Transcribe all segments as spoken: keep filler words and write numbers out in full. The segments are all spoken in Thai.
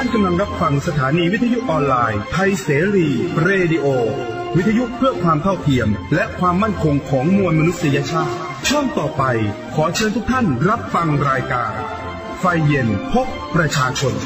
านกำลังรับฟังสถานีวิทยุออนไลน์ไทยเสรีเรดิโอวิทยุเพื่อความเท่าเทียมและความมั่นคงของมวลมนุษยชาติช่วงต่อไปขอเชิญทุกท่านรับฟังรายการไฟเย็นพบประชาชน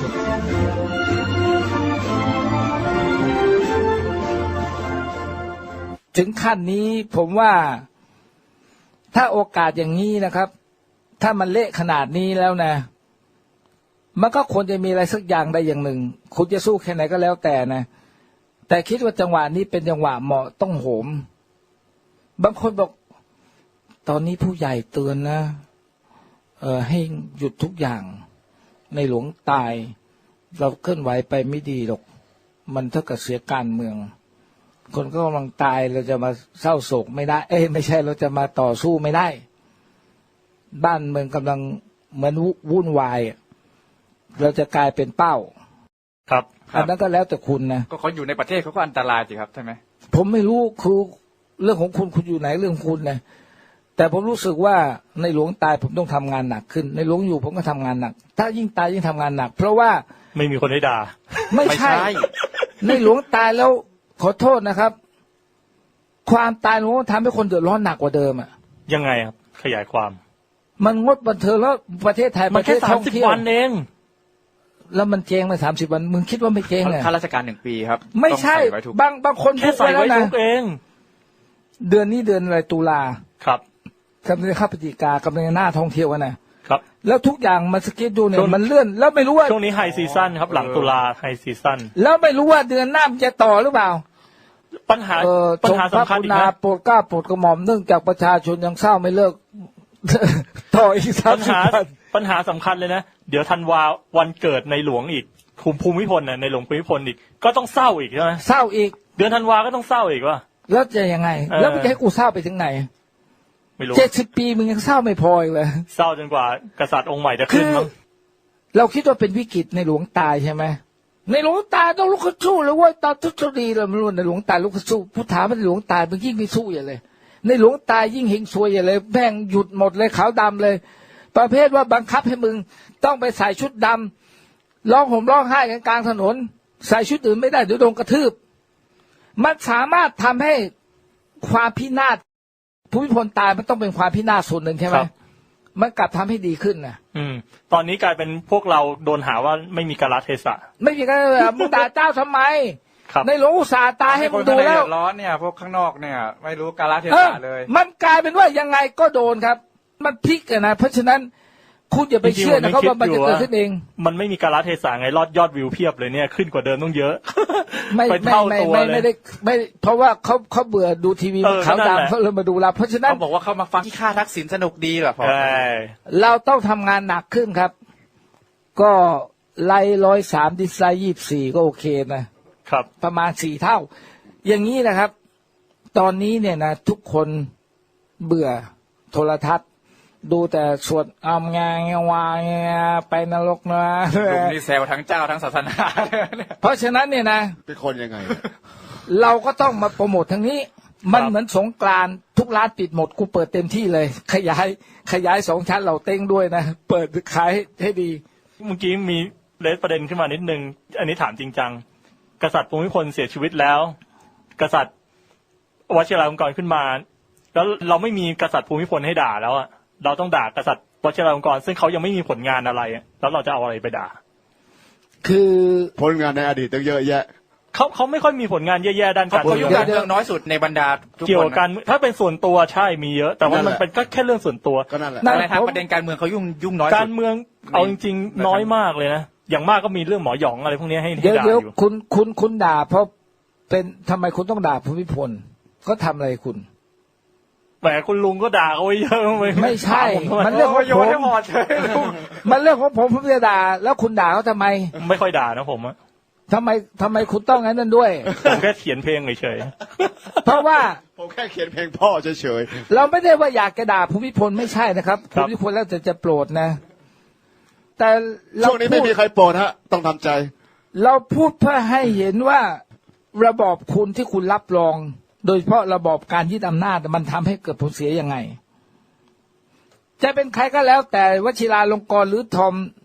ถึงขั้นนี้ผมว่าถ้าโอกาสอย่างนี้นะครับถ้ามันเละขนาดนี้แล้วนะมันก็ควรจะมีอะไรสักอย่างใดอย่างหนึ่งคุณจะสู้แค่ไหนก็แล้วแต่นะแต่คิดว่าจังหวะนี้เป็นจังหวะเหมาะต้องโหมบางคนบอกตอนนี้ผู้ใหญ่เตือนนะเออให้หยุดทุกอย่างในหลวงตายเราเคลื่อนไหวไปไม่ดีหรอกมันเท่ากับเสียการเมืองคนก็กำลังตายเราจะมาเศร้าโศกไม่ได้เอ้ยไม่ใช่เราจะมาต่อสู้ไม่ได้บ้านเมืองกำลังเหมือนวุ่นวายเราจะกลายเป็นเป้าครับอันนั้นก็แล้วแต่คุณนะก็เขาอยู่ในประเทศเขาก็อันตรายสิครับใช่ไหมผมไม่รู้คือเรื่องของคุณคุณอยู่ไหนเรื่องของคุณนะแต่ผมรู้สึกว่าในหลวงตายผมต้องทำงานหนักขึ้นในหลวงอยู่ผมก็ทำงานหนักถ้ายิ่งตายยิ่งทำงานหนักเพราะว่าไม่มีคนให้ด่าไม่ใช่ในหลวงตายแล้วขอโทษนะครับความตายหลวงทำให้คนเดือดร้อนหนักกว่าเดิมอ่ะยังไงครับขยายความมันงดบันเทิงแล้วประเทศไทยมันแค่สามสิบวันเองแล้วมันเจ๊งมาสามสิบวันมึงคิดว่าไม่เจ๊งเลยข้าราชการหนึ่งปีครับไม่ใช่บางบางคนแค่ใส่ไว้ทุกเองเดือนนี้เดือนอะไรตุลาครับกำลังจะเข้าพฤศจิกากำลังหน้าท่องเที่ยวกันนะครับแล้วทุกอย่างมันสกิดดูเนี่ยมันเลื่อนแล้วไม่รู้ว่าช่วงนี้ไฮซีซั่นครับหลังตุลาไฮซีซั่นแล้วไม่รู้ว่าเดือนหน้ามันจะต่อหรือเปล่าปัญหาปัญหาสำคัญอีกนะโปรดกล้าโปรดกระหม่อมเนื่องจากประชาชนยังเศร้าไม่เลิกต่ออีกสามสิบวันปัญหาสำคัญเลยนะเดี๋ยวธันวาวันเกิดในหลวงอีกภูมิภูมิพลน่ะในหลวงภูมิพลอีกก็ต้องเศร้าอีกใช่ไหมเศร้าอีกเดือนธันวาก็ต้องเศร้าอีกว่าแล้วจะยังไงแล้วมึงจะให้กูเศร้าไปถึงไหนไม่รู้เจ็ดสิบปีมึงยังเศร้าไม่พออีกเลยเศร้าจนกว่ากษัตริย์องค์ใหม่จะขึ้นมั้งเราคิดว่าเป็นวิกฤตในหลวงตายใช่ไหมในหลวงตายต้องลุกขึ้นสู้เลยเว้ยตอนทุกทดีเราไม่รู้ในหลวงตายลุกขึ้นสู้ผู้ถามว่าในหลวงตายมันยิ่งไม่สู้อย่างเลยในหลวงตายยิ่งเฮงซวยอย่างเลยแบ่งหยุดหมดเลยขาวดำเลยประเภทว่าบังคับให้มึงต้องไปใส่ชุดดำร้องห่มร้องไห้กันกลางถนนใส่ชุดอื่นไม่ได้เดี๋ยวโดนกระทืบมันสามารถทำให้ความพินาศภูมิพลตายมันต้องเป็นความพินาศส่วนหนึ่งใช่ไหมมันกลับทำให้ดีขึ้นนะอืมตอนนี้กลายเป็นพวกเราโดนหาว่าไม่มีกาลเทศะไม่มีการมึงด่าเจ้าทำไมในหลวงอุตสาห์ตายให้มึงดูแล้วร้อนเนี่ยพวกข้างนอกเนี่ยไม่รู้กาลเทศะเลยมันกลายเป็นว่ายังไงก็โดนครับมันพลิกกันนะเพราะฉะนั้นคุณอย่าไปเชื่อนะครับว่ามันจะเกิดขึ้นเองมันไม่มีกาลเทศะไงรอดยอดวิวเพียบเลยเนี่ยขึ้นกว่าเดิมต้องเยอะไม่ไม่ไม่ไม่ไม่ได้ไม่เพราะว่าเขาเขาเบื่อดูทีวีขาวดำเขาเลยมาดูเราเพราะฉะนั้นเขาบอกว่าเขามาฟังที่ค่าทักษิณสนุกดีเหรอพอเราต้องทำงานหนักขึ้นครับก็ไล่ร้อยสามดิสไลยี่สิบสี่ก็โอเคนะครับประมาณสี่เท่าอย่างนี้นะครับตอนนี้เนี่ยนะทุกคนเบื่อโทรทัศน์ดูแต่สวดอำงานวายไปนรกนะลุงนี่แซวทั้งเจ้าทั้งศาสนาเพราะฉะนั้นเนี่ยนะเป็นคนยังไงเราก็ต้องมาโปรโมททางนี้มันเหมือนสงกรานต์ทุกร้านปิดหมดกูเปิดเต็มที่เลยขยายขยายสองชั้นเราเต้งด้วยนะเปิดขายให้ดีเมื่อกี้มีเลสประเด็นขึ้นมานิดนึงอันนี้ถามจริงจังกษัตริย์ภูมิพลเสียชีวิตแล้วกษัตริย์วชิราลงกรณ์ขึ้นมาแล้วเราไม่มีกษัตริย์ภูมิพลให้ด่าแล้วอะเราต้องด่ากษัตริย์วชิราลงกรณ์ซึ่งเขายังไม่มีผลงานอะไรแล้วเราจะเอาอะไรไปด่าคือผลงานในอดีตตั้งเยอะแยะเขาเขาไม่ค่อยมีผลงานแย่ๆด้านการเมืองการเมืองน้อยสุดในบรรดาเกี่ยวกันถ้าเป็นส่วนตัวใช่มีเยอะแต่ว่ามันเป็นก็แค่เรื่องส่วนตัวก็นั่นแหละในทางประเด็นการเมืองเขายุ่งยุ่งน้อยการเมืองเอาจริงๆน้อยมากเลยนะอย่างมากก็มีเรื่องหมอหยองอะไรพวกนี้ให้ด่าอยู่เดี๋ยวคุณคุณคุณด่าเพราะเป็นทำไมคุณต้องด่าภูมิพลก็ทำอะไรคุณแหมคุณลุงก็ด่าเขาเยอะไม่ใช่มันเรื่องของผมมันเรื่องของผมผมจะด่าแล้วคุณด่าเขาทำไมไม่ค่อยด่านะผมอะทำไมทำไมคุณต้องงั้นนั่นด้วยผมแค่เขียนเพลงเฉยๆเพราะว่าผมแค่เขียนเพลงพ่อเฉยๆเราไม่ได้ว่าอยากจะด่าภูมิพลไม่ใช่นะครับภูมิพลแล้วจะจะโปรดนะแต่ช่วงนี้ไม่มีใครโปรดฮะต้องทำใจเราพูดเพื่อให้เห็นว่าระบอบคุณที่คุณรับรองโดยเฉพาะระบอบการยึดอำนาจมันทำให้เกิดผลเสียยังไงจะเป็นใครก็แล้วแต่วชิราลงกรณ์หรือทอม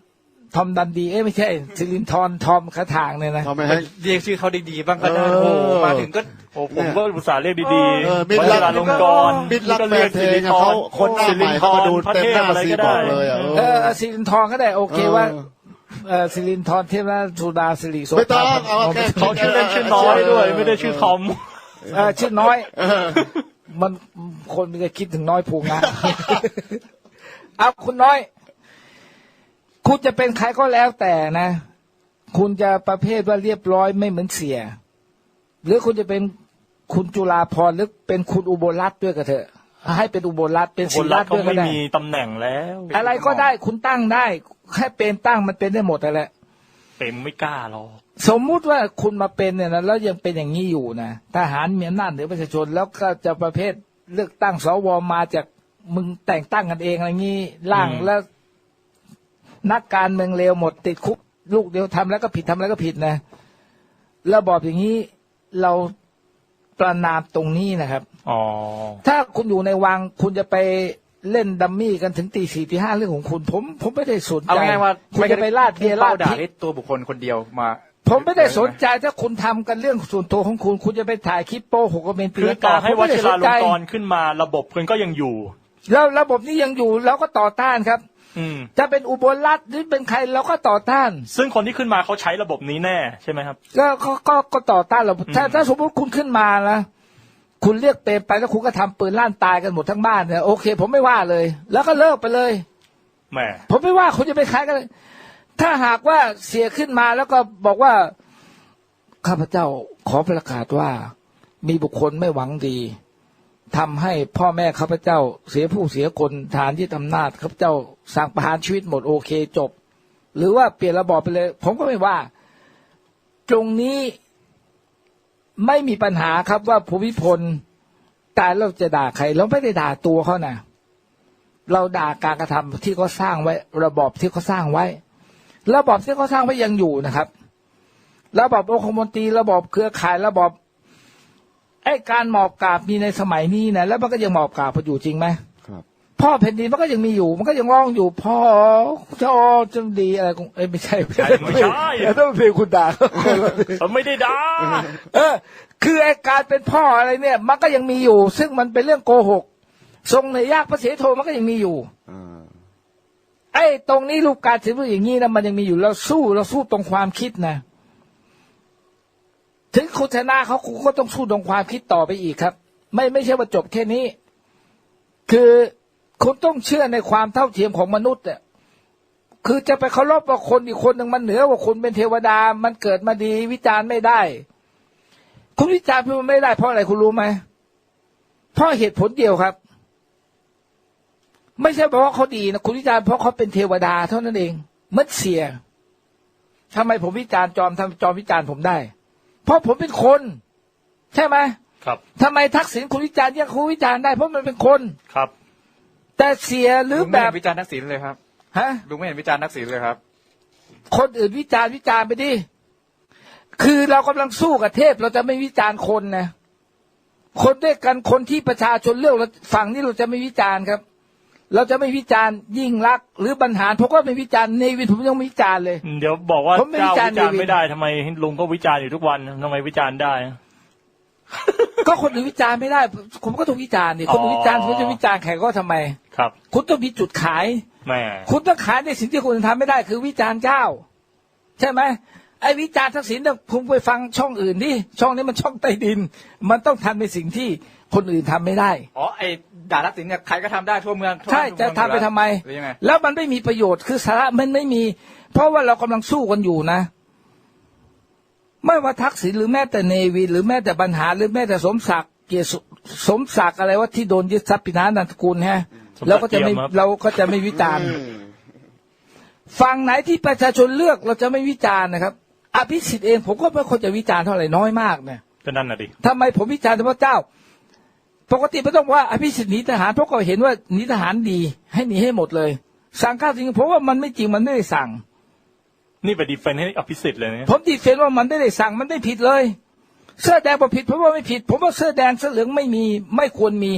ทอมดันดีเอ้ยไม่ใช่สิรินทรทอมคาถางเนี่ยนะทำไมให้เรียกชื่อเขาดีๆบ้างก็ได้เออโอ้โหมาถึงก็โอ้ผมก็อุตส่าห์เรียกดีเออๆมิตรวรัชิกราลงกรณ์มิตรรักก็แฟเรียนกเพลสิริงนอะทเขารคนหน้าใหม่เขามาดูเต็มหน้าซีบอกเลยอ่ะเออสิรินทรก็ได้โอเคว่าเออสิรินทรเทพราชสุดาสิริโสไม่ต้องภาเอาแค่เขาชื่อเล่นชื่อน้อยด้วย ไม่ได้ชื่อทอมเออชื่อน้อยมันคนมันจะคิดถึงน้อยผูงาน เอาคุณน้อย คุณจะเป็นใครก็แล้วแต่นะ คุณจะประเภทว่าเรียบร้อยไม่เหมือนเสีย หรือคุณจะเป็นคุณจุฬาภรณ์หรือเป็นคุณอุบลรัตน์ด้วยก็เถอะ ให้เป็นอุบลรัตน์เป็นคศินริรัรักตน์ก็ด้วยก็ไม่ได้มีตำแหน่งแล้วอะไรก็ได้คุณตั้งได้แค่เป็นตั้งมันเป็นได้หมดนั่นแหละเป็นไม่กล้าหรอกสมมุติว่าคุณมาเป็นเนี่ยนะแล้วยังเป็นอย่างนี้อยู่นะทหารมีอำนาจเหนือประชาชน แล้วก็จะประเภทเลือกตั้งสวมาจากมึงแต่งตั้งกันเองอะไรงี้ร่างแล้ว นักการเมืองเลวหมดติดคุกลูกเดียวทำแล้วก็ผิดทำแล้วก็ผิดนะระบอบอย่างนี้เราประนามตรงนี้นะครับอ๋อถ้าคุณอยู่ในวังคุณจะไปเล่นดัมมี่กันถึงตีสี่ตีห้าเรื่องของคุณ ผมผมไม่ได้สนเอาใจง่ายๆว่าคุณจะไปลาดเบียร์ลาดด่าพริกให้ตัวบุคคลคนเดียวมาผมไม่ได้สนใจถ้าคุณทำกันเรื่องส่วนตัวของคุณ คุณจะไปถ่ายคลิปโป้หกกระเบนตีคือลังต่กาอให้ผมวไม่ได้ชิสราน ลใจงกรณ์ขึ้นมาระบบมันก็ยังอยู่แล้วระบบนี้ยังอยู่เราก็ต่อต้านครับอืมจะเป็นอุบลรัตน์หรือเป็นใครเราก็ต่อต้านซึ่งคนที่ขึ้นมาเขาใช้ระบบนี้แน่ใช่ไหมครับก็ก็ก็ก็ต่อต้านเราถ้าถ้าสมมติคุณขึ้นมานะคุณเรียกเปรมไปแล้วคุณก็ทำปืนลั่นตายกันหมดทั้งบ้านเนี่ยโอเค ผมไม่ว่าเลย แล้วก็เลิกไปเลยแหมผมไม่ว่าคุณจะไปใครกันเลยถ้าหากว่าเสียขึ้นมาแล้วก็บอกว่าข้าพเจ้าขอประกาศว่ามีบุคคลไม่หวังดีทำให้พ่อแม่ข้าพเจ้าเสียผู้เสียคนฐานที่อำนาจข้าพเจ้าสั่งประหารชีวิตหมดโอเคจบ หรือว่าเปลี่ยนระบอบไปเลย ผมก็ไม่ว่า ตรงนี้ไม่มีปัญหาครับว่าภูมิพลตายเราจะด่าใครเราไม่ได้ด่าตัวเขานะเราด่าการกระทำที่เขาสร้างไว้ ระบอบที่เขาสร้างไว้ ระบอบที่เขาสร้างไว้ยังอยู่นะครับ ระบอบองคมนตรีระบอบเครือข่ายระบอบไอ้การหมอบกราบมีในสมัยนี้นะแล้วมันก็ยังหมอบกราบอยู่จริงไหมครับพ่อแผ่นดินมันก็ยังมีอยู่ มันก็ยังร้องอยู่พ่อเจ้าจงดีอะไรของเอ้ยไม่ใช่ไม่ใช่ต้องเพลงคุณด่าเขาไม่ได้ด่าเออ คือไอ้การเป็นพ่ออะไรเนี่ย มันก็ยังมีอยู่ ซึ่งมันเป็นเรื่องโกหกทรงในยากพระเสโทมันก็ยังมีอยู่อ่าไอ้ตรงนี้รูปการถือว่าอย่างนี้นะมันยังมีอยู่เราสู้เราสู้ตรงความคิดนะถึงคุณชนะเขาคุณก็ต้องสู้ตรงความคิดต่อไปอีกครับ ไม่ไม่ใช่ว่าจบแค่นี้ คือคุณต้องเชื่อในความเท่าเทียมของมนุษย์อ่ะคือจะไปเคารพว่าคนอีกคนหนึ่งมันเหนือกว่าคุณเป็นเทวดามันเกิดมาดีวิจารณ์ไม่ได้คุณวิจารณ์มันไม่ได้เพราะอะไรคุณรู้ไหมเพราะเหตุผลเดียวครับ ไม่ใช่เพราะว่าเขาดีนะคุณวิจารณ์เพราะเขาเป็นเทวดาเท่านั้นเองมัดเสียทำไมผมวิจารณ์จอมทำจอมวิจารณ์ผมได้เพราะผมเป็นคน ใช่ไหมครับทำไมทักษิณคุณวิจารณ์ยังคุณวิจารณ์ได้เพราะมันเป็นคนครับแต่เสียหรือลุงแบไม่เห็บนวิจารณ์ทักษิณเลยครับฮะลุงไม่เห็นวิจารณ์ทักษิณเลยครับคนอื่นวิจารณ์วิจารณ์ไปดิคือเรากำลังสู้กับเทพเราจะไม่วิจารณ์คนนะคนด้วยกันคนที่ประชาชนเลือกเราฝั่งนี้เราจะไม่วิจารณ์ครับ เราจะไม่วิจารณ์ยิ่งรักษณ์หรือบรรหารผมก็ไม่วิจารณ์เนวินผมยังไม่วิจารณ์เลยเดี๋ยวบอกว่าผมไม่เจ้าวิวิจาจาร รณ์ณ์เนวินไม่ได้ทำไมลุงก็วิจารณ์อยู่ทุกวันทำไมวิจารณ์ได้ก็คนอื่นวิจารณ์ไม่ได้ ผมก็ต้องวิจารณ์นี่คนอื่นวิจารณ์ผมจะวิจารณ์ใครก็ทำไมครับคุณต้องมีจุดขายแหม่คุณต้องขายในสิ่งที่คุณทำไม่ได้คือวิจารณ์เจ้า ใช่ไหมไอ้วิจารณ์ทักษิณเนี่ยคุณไปฟังช่องอื่นดิช่องนี้มันช่องใต้ดิน มันต้องทำในสิ่งที่คนอื่นทำไม่ได้อ๋อไอ้ด่าทักษิณเนี่ยใครก็ทำได้ทั่วเมืองทั่วใช่บ้านจะทั่วทำเมืองไปทำไมหรือยังไงแล้วมันไม่มีประโยชน์คือสาระมันไม่มี เพราะว่าเรากำลังสู้กันอยู่นะ ไม่ว่าทักษิณหรือแม้แต่เนวินหรือแม้แต่บรรหารหรือแม้แต่สมศักดิ์เกียรติสุสมศักดิ์อะไรว่าที่โดนยึดทรัพย์ปินานันทกุลฮะเราก็จะไม่เราก็จะไม่วิจารณ์อืมฝั่งไหนที่ประชาชนเลือกเราจะไม่วิจารณ์นะครับอภิสิทธิ์เองผมก็ไม่ควรจะวิจารณ์เท่าไหร่น้อยมากเนี่ยก็นั่นน่ะดิทำไมผมวิจารณ์เฉพาะเจ้า ปกติไม่ต้องว่าอภิสิทธิ์หนีทหารเพราะก็เห็นว่าหนีทหารดีให้หนีให้หมดเลย สั่งข้าวจริงเพราะว่ามันไม่จริงมันไม่ได้สั่งนี่ไปดีเฟนให้อภิสิทธิ์เลยนะผมดีเฟนว่ามันไม่ได้สั่งมันไม่ผิดเลย เสื้อแดงบอกผิดเพราะว่าไม่ผิด ผมว่าเสื้อแดงเสื้อเหลืองไม่มีไม่ควรมี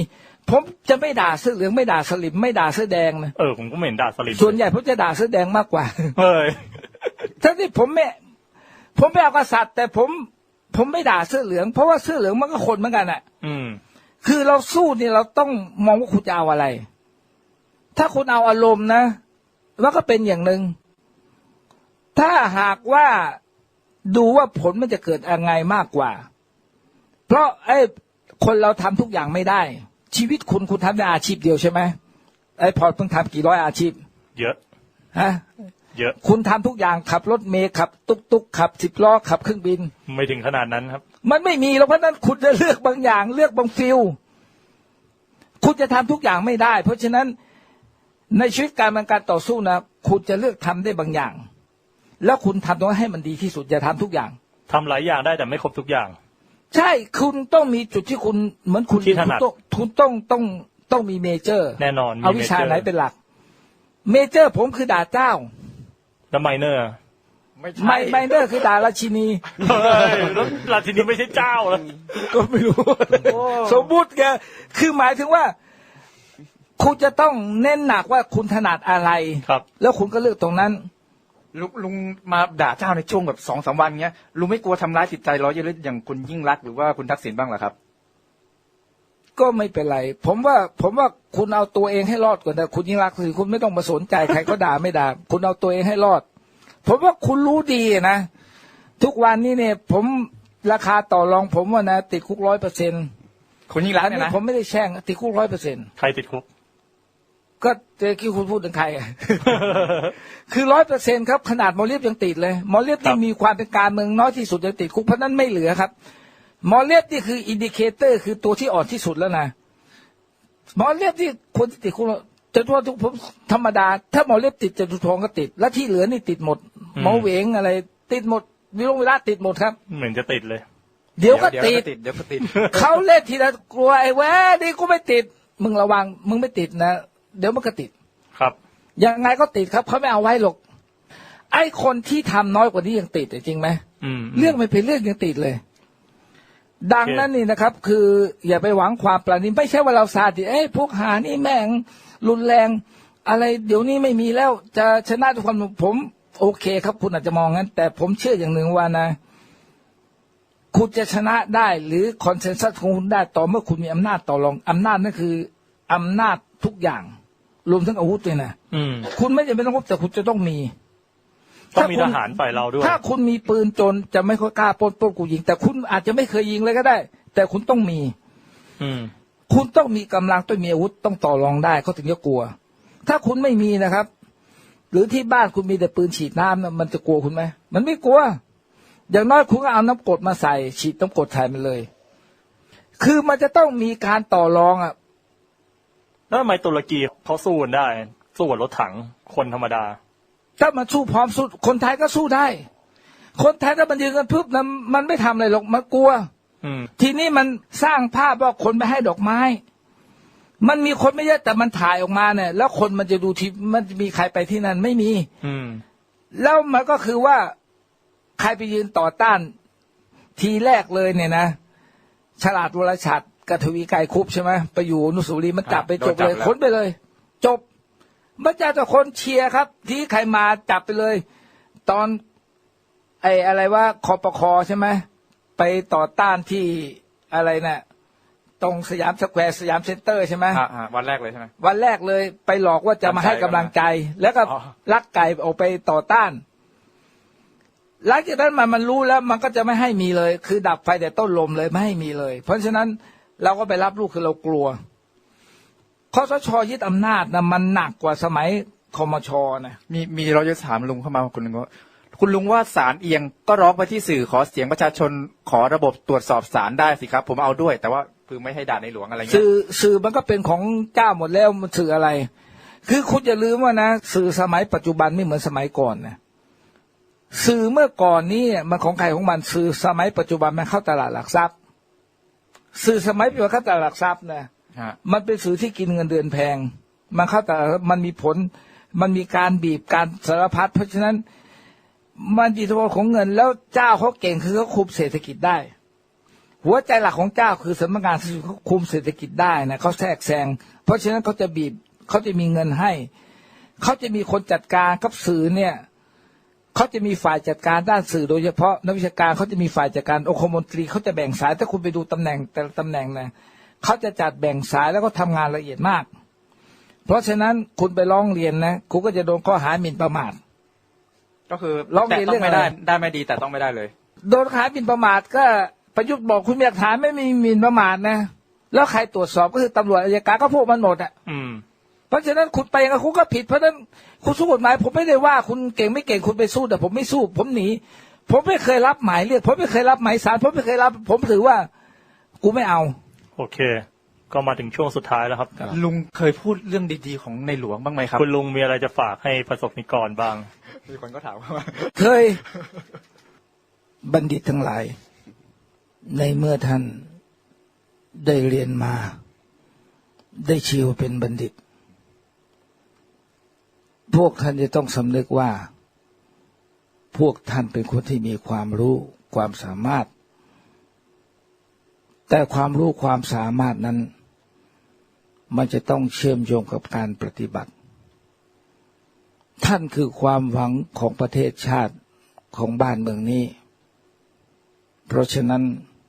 ผมจะไม่ด่าเสื้อเหลืองไม่ด่าสลิมไม่ด่าเสื้อแดงนะเออผมก็ไม่เห็นด่าสลิมส่วนใหญ่ผมจะด่าเสื้อแดงมากกว่าเฮ้ยทั้งที่ผมไม่ผมไม่เอากษัตริย์แต่ผมผมไม่ด่าเสื้อเหลืองเพราะว่าเสื้อเหลืองมันก็คนเหมือนกันอ่ะอืมคือเราสู้เนี่ยเราต้องมองว่าคุณจะเอาอะไร ถ้าคุณเอาอารมณ์นะมันก็เป็นอย่างหนึ่งถ้าหากว่าดูว่าผลมันจะเกิดยังไงมากกว่าเพราะไอ้คนเราทำทุกอย่างไม่ได้ชีวิตคุณคุณทำได้อาชีพเดียวใช่ไหมไอ้พอเพิ่งทำกี่ร้อยอาชีพเยอะฮะเยอะคุณทำทุกอย่างขับรถเมล์ขับตุ๊กตุ๊กขับสิบล้อขับเครื่องบินไม่ถึงขนาดนั้นครับมันไม่มีแล้วเพราะนั้นคุณจะเลือกบางอย่างเลือกบางฟิลคุณจะทำทุกอย่างไม่ได้เพราะฉะนั้นในชีวิตการมันการต่อสู้นะคุณจะเลือกทำได้บางอย่างแล้วคุณทำตรงนั้นให้มันดีที่สุดอย่าทำทุกอย่างทำหลายอย่างได้แต่ไม่ครบทุกอย่างใช่คุณต้องมีจุดที่คุณเหมือนคุณที่ถนัดคุณต้องต้องต้องมีเมเจอร์แน่นอนเอาวิชาไหนเป็นหลักเมเจอร์ผมคือด่าเจ้าแล้วไมเนอร์ไม่ใช่ไมเนอร์คือด่าราชินีแล้วราชินีไม่ใช่เจ้าแล้วก็ไม่รู้สมมุติแกคือหมายถึงว่าคุณจะต้องเน้นหนักว่าคุณถนัดอะไรครับแล้วคุณก็เลือกตรงนั้นลุงลุงมาด่าเจ้าในช่วงแบบสองสามวันเงี้ยลุงไม่กลัวทำร้ายจิตใจร้อยเยอะอย่างคุณยิ่งรักหรือว่าคุณทักษิณบ้างเหรอครับก็ไม่เป็นไรผมว่าผมว่าคุณเอาตัวเองให้รอดก่อนนะคุณยิ่งรักคือคุณไม่ต้องมาสนใจใครก็ด่าไม่ด่าคุณเอาตัวเองให้รอดผมว่าคุณรู้ดีนะทุกวันนี้เนี่ยผมราคาต่อรองผมว่านะติดคุกร้อยเปอร์เซ็นต์คุณยิ่งรักเนี่ยนะผมไม่ได้แช่งติดคุกร้อยเปอร์เซ็นต์ใครติดคุกก็เจ๊กี้คุณพูดถึงใคร คือร้อยเปอร์เซ็นต์ครับขนาดหมอเลียบยังติดเลยหมอเลียบที่มีความเป็นการเมืองน้อยที่สุดยังติดคุกเพราะนั้นไม่เหลือครับหมอเลียบนี่คืออินดิเคเตอร์คือตัวที่อ่อนที่สุดแล้วนะหมอเลียบที่คนที่ติดคุกจะทั่วทุกผมธรรมดาถ้าหมอเลียบติดจะทุทองก็ติดและที่เหลือนี่ติดหมดหมอเหวงอะไรติดหมดวิโรจน์วิราชติดหมดครับเหมือนจะติดเลยเดี๋ยวก็ติดเดี๋ยวก็ติดเขาเล่นทีละกลัวไอ้แว่นี่กูไม่ติดมึงระวังมึงไม่ติดนะเดี๋ยวมันก็ติดครับยังไงก็ติดครับเขาไม่เอาไว้หรอกไอ้คนที่ทำน้อยกว่านี้ยังติดจริงไหมเรื่องไม่เป็นเรื่องยังติดเลยดังนั้นนี่นะครับคืออย่าไปหวังความปราณีไม่ใช่ว่าเราซาดิสเอ้ยพวกหานี่แม่งรุนแรงอะไรเดี๋ยวนี้ไม่มีแล้วจะชนะทุกคนผมโอเคครับคุณอาจจะมองงั้นแต่ผมเชื่ออย่างหนึ่งว่านะคุณจะชนะได้หรือคอนเซนแซสของคุณได้ต่อเมื่อคุณมีอำนาจต่อรองอำนาจนั่นคืออำนาจทุกอย่างรวมทั้งอาวุธเลยนะคุณไม่จำเป็นต้องพบแต่คุณจะต้องมีต้องมีทหารฝ่ายเราด้วยถ้าคุณมีปืนจนจะไม่ค่อยกล้าปล้นปล้นกูยิงแต่คุณอาจจะไม่เคยยิงเลยก็ได้ แต่คุณต้องมีอืมคุณต้องมีกำลังต้องมีอาวุธต้องต่อรองได้เขาถึงจะกลัวถ้าคุณไม่มีนะครับ หรือที่บ้านคุณมีแต่ปืนฉีดน้ำมันจะกลัวคุณไหมมันไม่กลัวอย่างน้อยคุณก็เอาน้ำกรดมาใส่ฉีดน้ำกรดใส่มันเลยคือมันจะต้องมีการต่อรองอ่ะแล้วทำไมตุรกีเขาสู้กันได้สู้กับรถถังคนธรรมดาถ้ามันสู้พร้อมสู้คนไทยก็สู้ได้คนไทยถ้ามันยืนกันปุ๊บนะมันไม่ทำอะไรหรอกมันกลัวทีนี้มันสร้างภาพว่าคนไปให้ดอกไม้มันมีคนไม่เยอะแต่มันถ่ายออกมาเนี่ยแล้วคนมันจะดูที่มันจะมีใครไปที่นั่นไม่มีแล้วมันก็คือว่าใครไปยืนต่อต้านทีแรกเลยเนี่ยนะฉลาดวรชัดกทวีไกรคุปใช่ไหมไปอยู่อนุสาวรีย์มันจับไปจบเลยค้นไปเลยจบมันจะแต่คนเชียร์ครับที่ใครมาจับไปเลยตอนไอ้อะไรว่าคปคใช่ไหมไปต่อต้านที่อะไรนะตรงสยามสแควร์สยามเซ็นเตอร์ใช่ไหมวันแรกเลยใช่ไหมวันแรกเลยไปหลอกว่าจะมาให้กำลังใจแล้วก็ลักไก่ออกไปต่อต้านหลังจากนั้นมันมันรู้แล้วมันก็จะไม่ให้มีเลยคือดับไฟแต่ต้นลมเลยไม่ให้มีเลยเพราะฉะนั้นเราก็ไปรับลูกคือเรากลัวคสช.ยึดอำนาจนะมันหนักกว่าสมัยคมช.นะมีมีเราจะถามลุงเข้ามาคนหนึ่งว่าคุณลุงว่าศาลเอียงก็ร้องไปที่สื่อขอเสียงประชาชนขอระบบตรวจสอบศาลได้สิครับผมเอาด้วยแต่ว่าคือไม่ให้ด่าในหลวงอะไรเงี้ยสื่อสื่อมันก็เป็นของเจ้าหมดแล้วมันสื่ออะไรคือคุณอย่าลืมว่านะสื่อสมัยปัจจุบันไม่เหมือนสมัยก่อนนะสื่อเมื่อก่อนนี้มันของใครของมันสื่อสมัยปัจจุบันมันเข้าตลาดหลักทรัพย์สื่อสมัยปัจจุบันเข้าตลาดหลักทรัพย์นะมันเป็นสื่อที่กินเงินเดือนแพงมันเข้าแต่มันมีผลมันมีการบีบการสารพัดเพราะฉะนั้นมันอิทธิพลของเงินแล้วเจ้าเขาเก่งคือเขาคุมเศรษฐกิจได้หัวใจหลักของเจ้าคือสำนักงานเขาคุมเศรษฐกิจได้นะเขาแทรกแซงเพราะฉะนั้นเขาจะบีบเขาจะมีเงินให้เขาจะมีคนจัดการกับสื่อเนี่ยเขาจะมีฝ่ายจัดการด้านสื่อโดยเฉพาะนักวิชาการเขาจะมีฝ่ายจัดการองคมนตรีเขาจะแบ่งสายถ้าคุณไปดูตำแหน่งแต่ละตำแหน่งนะเขาจะจัดแบ่งสายแล้วก็ทำงานละเอียดมากเพราะฉะนั้นคุณไปร้องเรียนนะคุณก็จะโดนข้อหาหมิ่นประมาทก็คือร้องเรียนแต่เรื่ต้ออง งอะไรไม่ได้ได้ไม่ดีแต่ต้องไม่ได้เลยโดนข้อหาหมิ่นประมาทก็ประยุทธ์บอกคุณมีหลักฐานไม่มีหมิ่นประมาทนะแล้วใครตรวจสอบก็คือตำรวจอัยการก็พวกมันหมดอ่ะเพราะฉะนั้นคุณไปกับคุณก็ผิดเพราะฉะนั้นคุณสู้กฎหมายผมไม่ได้ว่าคุณเก่งไม่เก่งคุณไปสู้แต่ผมไม่สู้ผมหนีผมไม่เคยรับหมายเรียกผมไม่เคยรับหมายศาลผมไม่เคยรับผมถือว่ากูไม่เอาโอเคก็มาถึงช่วงสุดท้ายแล้วครับลุงเคยพูดเรื่องดีๆของในหลวงบ้างไหมครับคุณลุงมีอะไรจะฝากให้ประสบนิกรบ้างมีคนก็ถามว่าเคยบัณฑิตทั้งหลายในเมื่อท่านได้เรียนมาได้ชื่อว่าเป็นบัณฑิตพวกท่านจะต้องสำนึกว่าพวกท่านเป็นคนที่มีความรู้ความสามารถแต่ความรู้ความสามารถนั้นมันจะต้องเชื่อมโยงกับการปฏิบัติท่านคือความหวังของประเทศชาติของบ้านเมืองนี้เพราะฉะนั้น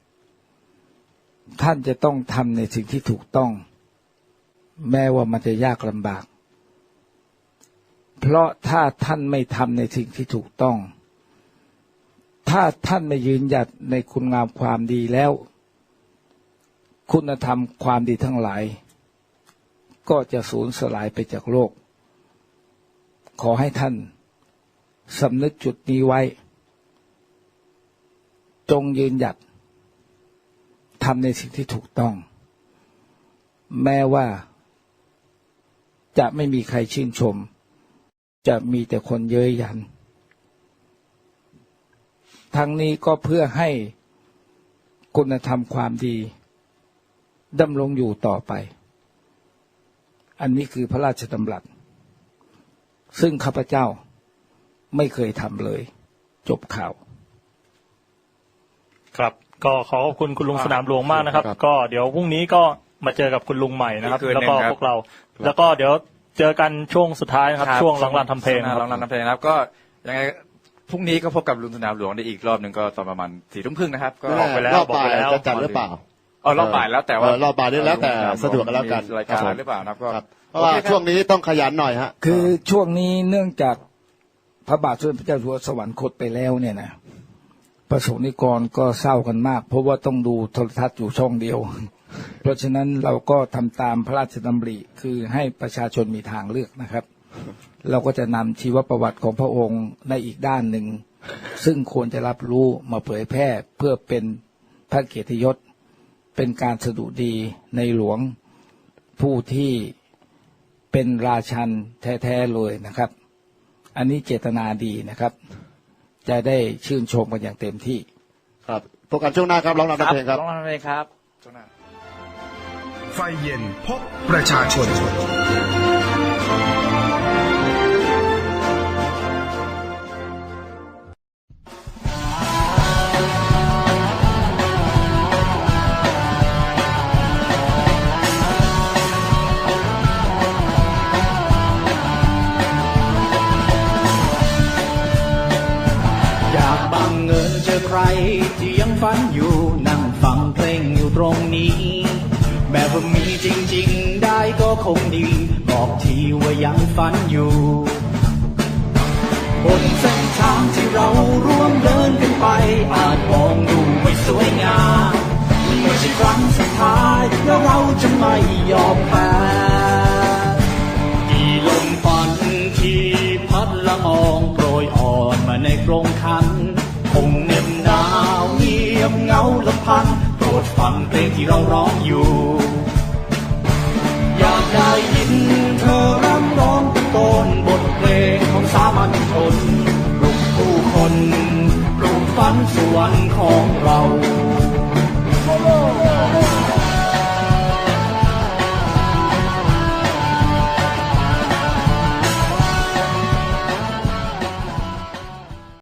ท่านจะต้องทำในสิ่งที่ถูกต้องแม้ว่ามันจะยากลำบากเพราะถ้าท่านไม่ทำในสิ่งที่ถูกต้องถ้าท่านไม่ยืนหยัดในคุณงามความดีแล้วคุณธรรมความดีทั้งหลายก็จะสูญสลายไปจากโลกขอให้ท่านสำนึกจุดนี้ไว้จงยืนหยัดทำในสิ่งที่ถูกต้องแม้ว่าจะไม่มีใครชื่นชมจะมีแต่คนเย้ยหยันทั้งนี้ก็เพื่อให้คุณธรรมความดีดำรงอยู่ต่อไปอันนี้คือพระราชดำรัสซึ่งข้าพเจ้าไม่เคยทำเลยจบข่าวครับก็ขอขอบคุณคุณลุงสนามหลวงมากนะครับก็เดี๋ยวพรุ่งนี้ก็มาเจอกับคุณลุงใหม่นะครับแล้วก็พวกเราแล้วก็เดี๋ยวเจอกันช่วงสุดท้ายนะครับช่วงร้องรำทำเพลงร้องรำทำเพลงนะครับก็ยังไงพรุ่งนี้ก็พบกับลุงสนามหลวงได้อีกรอบหนึ่งก็ตอนประมาณสี่ทุ่มครึ่งนะครับก็ออกไปแล้วรอบบ่ายจะจัดหรือเปล่าอ๋อรอบบ่ายแล้วแต่ว่ารอบบ่ายนี่แล้วแต่สะดวกกันแล้วกันรายการหรือเปล่านะครับก็เพราะว่าช่วงนี้ต้องขยันหน่อยฮะคือช่วงนี้เนื่องจากพระบาทสมเด็จพระเจ้าอยู่หัวสวรรคตไปแล้วเนี่ยนะประสบนิกรก็เศร้ากันมากเพราะว่าต้องดูโทรทัศน์อยู่ช่องเดียวเพราะฉะนั้นเราก็ทำตามพระราชดำริคือให้ประชาชนมีทางเลือกนะครับเราก็จะนำชีวประวัติของพระองค์ในอีกด้านหนึ่งซึ่งควรจะรับรู้มาเผยแพร่เพื่อเป็นพระเกียรติยศเป็นการสดุดีในหลวงผู้ที่เป็นราชันแท้ๆเลยนะครับอันนี้เจตนาดีนะครับจะได้ชื่นชมกันอย่างเต็มที่ครับพบกันช่วงหน้าครับร้องรำทำเพลงครับร้องรำทำเพลงครับช่วงหน้าไฟเย็นพบประชาชนใครที่ยังฝันอยู่นั่งฟังเพลงอยู่ตรงนี้แบบว่ามีจริงๆได้ก็คงดีบอกทีว่ายังฝันอยู่บนเส้นทางที่เราร่วมเดินกันไปอาจมองดูไม่สวยงามไม่ใช่ครั้งสุดท้ายแล้วเราจะไม่ยอมแพ้กี่ลมฝันที่พัดละอองโปรยอ่อนมาในกรงขันคงเหน็บหนาวเงียบเงาลำพันโปรดฟังเพลงที่เราร้องอยู่อยากได้ยินเธอรำร้องตะโกนบทเพลงของสามัญชนปลุกผู้คนปลุกฝันสวรรค์ของเรา